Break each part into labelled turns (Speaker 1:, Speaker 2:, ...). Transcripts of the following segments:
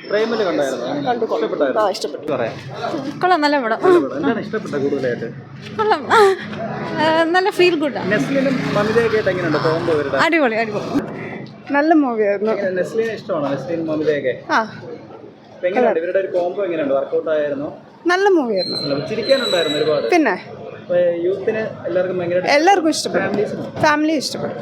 Speaker 1: പ്രേമല് കണ്ടായിരുന്നു. ഇഷ്ടപ്പെട്ടായിരുന്നു.
Speaker 2: ഇഷ്ടപ്പെട്ടു.
Speaker 1: പറയാം.
Speaker 2: കൊള്ളാം, നല്ല പടം.
Speaker 1: എന്താണ് ഇഷ്ടപ്പെട്ടത് കൂടുതലായിട്ട്?
Speaker 2: കൊള്ളാം, നല്ല ഫീൽ ഗുഡ്.
Speaker 1: നെസ്ലിനും മമിതയൊക്കെ ആയിട്ട് എങ്ങനെയുണ്ട് കോംബോ ഇവരുടെ?
Speaker 2: അടിപൊളി അടിപൊളി, നല്ല മൂവിയായിരുന്നു.
Speaker 1: നെസ്ലിനെ ഇഷ്ടമാണോ? നെസ്ലിനും മമിതയൊക്കെ
Speaker 2: ആ
Speaker 1: എങ്ങനെയുണ്ട് ഇവരുടെ ഒരു കോംബോ? എങ്ങനെയുണ്ട്? വർക്കൗട്ട് ആയിരുന്നു?
Speaker 2: നല്ല മൂവിയായിരുന്നു.
Speaker 1: ചിരിക്കാനുണ്ടായിരുന്നു ഒരുപാട്.
Speaker 2: പിന്നെ
Speaker 1: യൂത്തിന് എല്ലാവർക്കും ഭയങ്കര
Speaker 2: എല്ലാവർക്കും ഇഷ്ടപ്പെട്ടു. ഫാമിലി ഇഷ്ടപ്പെട്ടു.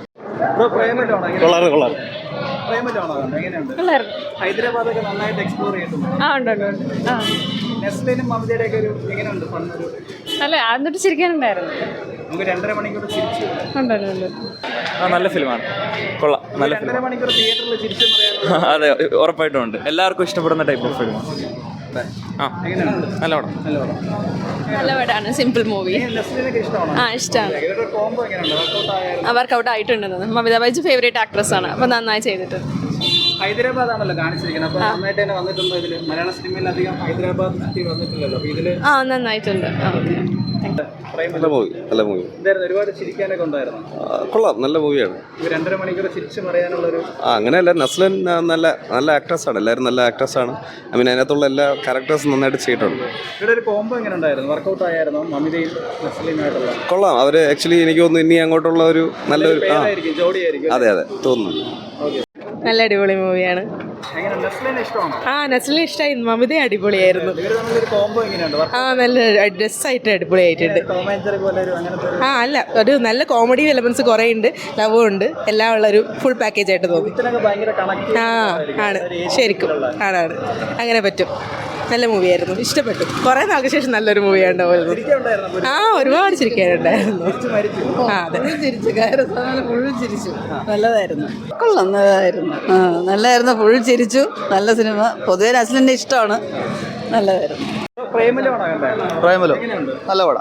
Speaker 1: ഹൈദരാബാദൊക്കെ നന്നായിട്ട് എക്സ്പ്ലോർ ചെയ്തിട്ടുണ്ട്. നെസ്ലിനും മമിതയുടെ ഒക്കെ ഒരു എങ്ങനെയുണ്ട്?
Speaker 2: അല്ല, എന്നിട്ട് ചിരിക്കാനുണ്ടായിരുന്നു.
Speaker 1: നമുക്ക് 2.5 മണിക്കൂർ ചിരിച്ചു.
Speaker 3: നല്ല ഫിലിമാണ്, കൊള്ളാം. നല്ല
Speaker 1: 2.5 മണിക്കൂർ തിയേറ്ററിൽ ചിരിച്ചു.
Speaker 3: അതെ, ഉറപ്പായിട്ടും ഉണ്ട്. എല്ലാവർക്കും ഇഷ്ടപ്പെടുന്ന ടൈപ്പ് ഓഫ് ഫിലിമാണ്. നല്ല പടം.
Speaker 2: നല്ല പടമാണ്, സിമ്പിൾ മൂവി. ഇഷ്ടമാണ്. വർക്കൗട്ട് ആയിട്ടുണ്ടെന്ന്. മമിത ബൈജു ഫേവറേറ്റ് ആക്ട്രസ് ആണ്, അപ്പൊ നന്നായി ചെയ്തിട്ടുണ്ട്.
Speaker 1: ഹൈദരാബാദ് ആണല്ലോ കാണിച്ചിരിക്കുന്നത്. അപ്പൊ നന്നായിട്ട് തന്നെ വന്നിട്ടുണ്ടോ ഇതില്? മലയാള സിനിമയിൽ അധികം ഹൈദരാബാദ് വന്നിട്ടില്ലല്ലോ. അപ്പൊ ഇതില്
Speaker 2: നന്നായിട്ടുണ്ട്.
Speaker 4: നല്ല മൂവി, നല്ല മൂവി.
Speaker 1: ഒരുപാട് ചിരിക്കാനൊക്കെ ഉണ്ടായിരുന്നു.
Speaker 4: കൊള്ളാം, നല്ല മൂവിയാണ്.
Speaker 1: 2.5 മണിക്കൂർ ചിരിച്ചു പറയാനുള്ളൊരു
Speaker 4: അങ്ങനെയല്ല, നസ്ലൻ നല്ല നല്ല ആക്ടേഴ്സാണ്. എല്ലാവരും നല്ല ആക്ടേഴ്സാണ്. ഐ മീൻ അതിനകത്തുള്ള എല്ലാ ക്യാരക്ടേഴ്സും നന്നായിട്ട് ചെയ്തിട്ടുണ്ട്.
Speaker 1: ഇവിടെ ഒരു കോംബോ എങ്ങനെ ഉണ്ടായിരുന്നു? വർക്കൗട്ട് ആയിരുന്നു മമിതയും നസ്ലിനുമായിട്ടുള്ള?
Speaker 4: കൊള്ളാം. അവർ ആക്ച്വലി എനിക്ക് തോന്നുന്നു ഇനി അങ്ങോട്ടുള്ള ഒരു നല്ലൊരു
Speaker 1: ജോഡിയായിരിക്കും.
Speaker 4: അതെ അതെ തോന്നുന്നു.
Speaker 2: നല്ല അടിപൊളി മൂവിയാണ്. നസ്ലിനെ ഇഷ്ടമായി. മമിത അടിപൊളിയായിരുന്നു. നല്ല ഡ്രസ്സായിട്ട് അടിപൊളിയായിട്ടുണ്ട്. അല്ല, ഒരു നല്ല കോമഡി എലമെന്റ്സ് കുറേ ഉണ്ട്, ലവും ഉണ്ട്, എല്ലാം ഉള്ള ഒരു ഫുൾ പാക്കേജ് ആയിട്ട് തോന്നി. ആണ്, ശരിക്കും ആണ്. അങ്ങനെ പറ്റും. നല്ല മൂവിയായിരുന്നു, ഇഷ്ടപ്പെട്ടു. കുറേ നാൾക്ക് ശേഷം നല്ലൊരു മൂവിയാണ് ഉണ്ടാവുന്നത്. ഒരുപാട് ചിരിക്കാനുണ്ടായിരുന്നു. അതെ, ഫുൾ ചിരിച്ചു. നല്ലതായിരുന്നു.
Speaker 5: കൊള്ളാം, നല്ലതായിരുന്നു. ഫുൾ ചിരിച്ചു. നല്ല സിനിമ. പൊതുവെ നസ്ലിൻ്റെ ഇഷ്ടമാണ്. നല്ലതായിരുന്നു.
Speaker 1: പ്രേമലോ
Speaker 4: നല്ല പടാ.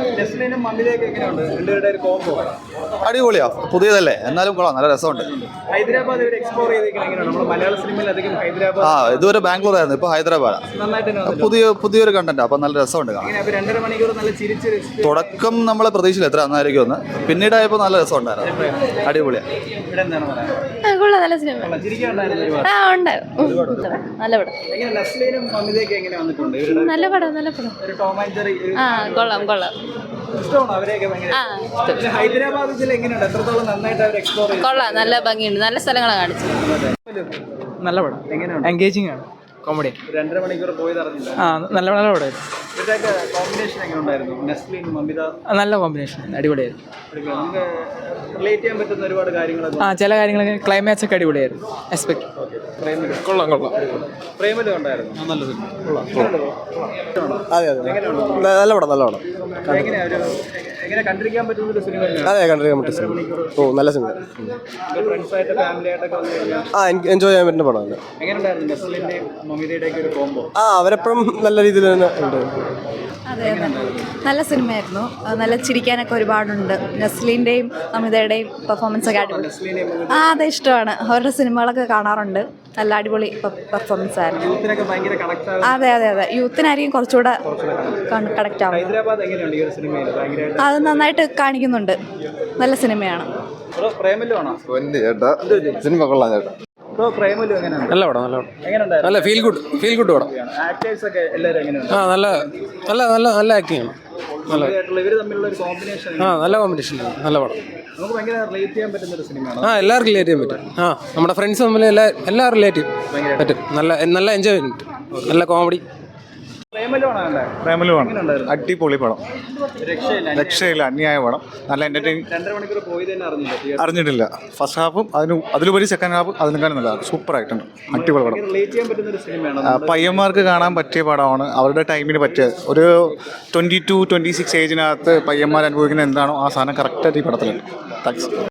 Speaker 4: അടിപൊളിയാ, പുതിയതല്ലേ, എന്നാലും കൊള്ളാം, നല്ല രസമുണ്ട്.
Speaker 1: ഹൈദരാബാദ് മലയാള സിനിമയിൽ അധികം ഹൈദരാബാദ്
Speaker 4: ഇതുവരെ ബാംഗ്ലൂർ ആയിരുന്നു, ഇപ്പൊ ഹൈദരാബാദാ. പുതിയൊരു കണ്ടന്റ്, അപ്പൊ നല്ല രസമുണ്ട്.
Speaker 1: 2.5 മണിക്കൂർ നല്ല ചിരിച്ച്
Speaker 4: തുടക്കം നമ്മളെ പ്രതീക്ഷയില്ല എത്ര നന്നായിരിക്കും എന്ന്, പിന്നീടായപ്പോ നല്ല രസമുണ്ടായിരുന്നു. അടിപൊളിയാ.
Speaker 2: നല്ല സിനിമ. നല്ല പടം, നല്ല പടം. കൊള്ളാം, കൊള്ളാം. കൊള്ളാം, നല്ല ഭംഗിയുണ്ട്. നല്ല സ്ഥലങ്ങളാണ് കാണിച്ചത്.
Speaker 6: നല്ല പടം, എൻഗേജിങ് ആണ്, കോമഡി.
Speaker 1: 2.5 മണിക്കൂർ പോയത് അറിഞ്ഞില്ല.
Speaker 6: നല്ല പടമായിരുന്നു.
Speaker 1: കോമ്പിനേഷൻ എങ്ങനെ ഉണ്ടായിരുന്നു? നെസ്ലിൻ മമിത
Speaker 6: നല്ല കോമ്പിനേഷൻ, അടിപൊളിയായിരുന്നു.
Speaker 1: റിലേറ്റ് ചെയ്യാൻ പറ്റുന്ന ഒരുപാട് കാര്യങ്ങളൊക്കെ.
Speaker 6: ചില കാര്യങ്ങളൊക്കെ ക്ലൈമാക്സ് ഒക്കെ അടിപൊളിയായിരുന്നു. എക്സ്പെക്ട്.
Speaker 4: കൊള്ളാം.
Speaker 1: പ്രേമലു ഉണ്ടായിരുന്നു.
Speaker 4: അതെ അതെ, നല്ല പടം.
Speaker 1: എങ്ങനെ കണ്ടിരിക്കാൻ പറ്റുന്ന ഒരു സിനിമ?
Speaker 4: അതെ, കണ്ടിരിക്കാൻ പറ്റും സിനിമ. നല്ല സിനിമ.
Speaker 1: ഫ്രണ്ട്സായിട്ട് ഫാമിലി ആയിട്ടൊക്കെ
Speaker 4: എൻജോയ് ചെയ്യാൻ പറ്റുന്ന പടമാണ്.
Speaker 1: എങ്ങനെയുണ്ടായിരുന്നു നെസ്ലിന്റെയും മമിതയുടെ ഒക്കെ ഒരു കോംബോ?
Speaker 4: അവരെപ്പോഴും നല്ല രീതിയിൽ തന്നെ ഉണ്ട്.
Speaker 2: അതെ, നല്ല സിനിമയായിരുന്നു. നല്ല ചിരിക്കാനൊക്കെ ഒരുപാടുണ്ട്. നസ്ലിൻ്റെയും അമിതയുടെയും പെർഫോമൻസ് ഒക്കെ അടിപൊളി. അതെ, ഇഷ്ടമാണ്. അവരുടെ സിനിമകളൊക്കെ കാണാറുണ്ട്. നല്ല അടിപൊളി പെർഫോമൻസ് ആയിരുന്നു. അതെ, യൂത്തിനായിരിക്കും കുറച്ചുകൂടെ കണക്ട് ആവും. അത് നന്നായിട്ട് കാണിക്കുന്നുണ്ട്. നല്ല സിനിമയാണ്.
Speaker 4: സിനിമ കൊള്ളാം ചേട്ടാ.
Speaker 3: നല്ല പടം, നല്ല ഫീൽ ഗുഡ് പടം. നല്ല ആക്ടിങ് ആണ്. നല്ല കോമ്പിനേഷൻ, നല്ല പടം. എല്ലാവർക്കും റിലേറ്റ് ചെയ്യാൻ പറ്റും. നമ്മുടെ ഫ്രണ്ട്സ് തമ്മിൽ എല്ലാം റിലേറ്റ് ചെയ്യാൻ പറ്റും. നല്ല എൻജോയ്മെന്റ്, നല്ല കോമഡി.
Speaker 4: പ്രേമലുമാണ് അടിപൊളി പടം, രക്ഷയില്ല, അന്യായ പടം. നല്ല എന്റർടൈൻ. അറിഞ്ഞിട്ടില്ല. ഫസ്റ്റ് ഹാഫും അതിലുപരി സെക്കൻഡ് ഹാഫ് അതിനേക്കാളും നല്ല സൂപ്പർ ആയിട്ടുണ്ട്. അടിപൊളി പടം. പയ്യന്മാർക്ക് കാണാൻ പറ്റിയ പടമാണ്. അവരുടെ ടൈമിന് പറ്റിയ ഒരു 22-26 ഏജിനകത്ത് പയ്യന്മാർ അനുഭവിക്കുന്ന എന്താണോ ആ സാധനം കറക്റ്റായിട്ട് ഈ പടത്തിലുണ്ട്. താങ്ക്സ്.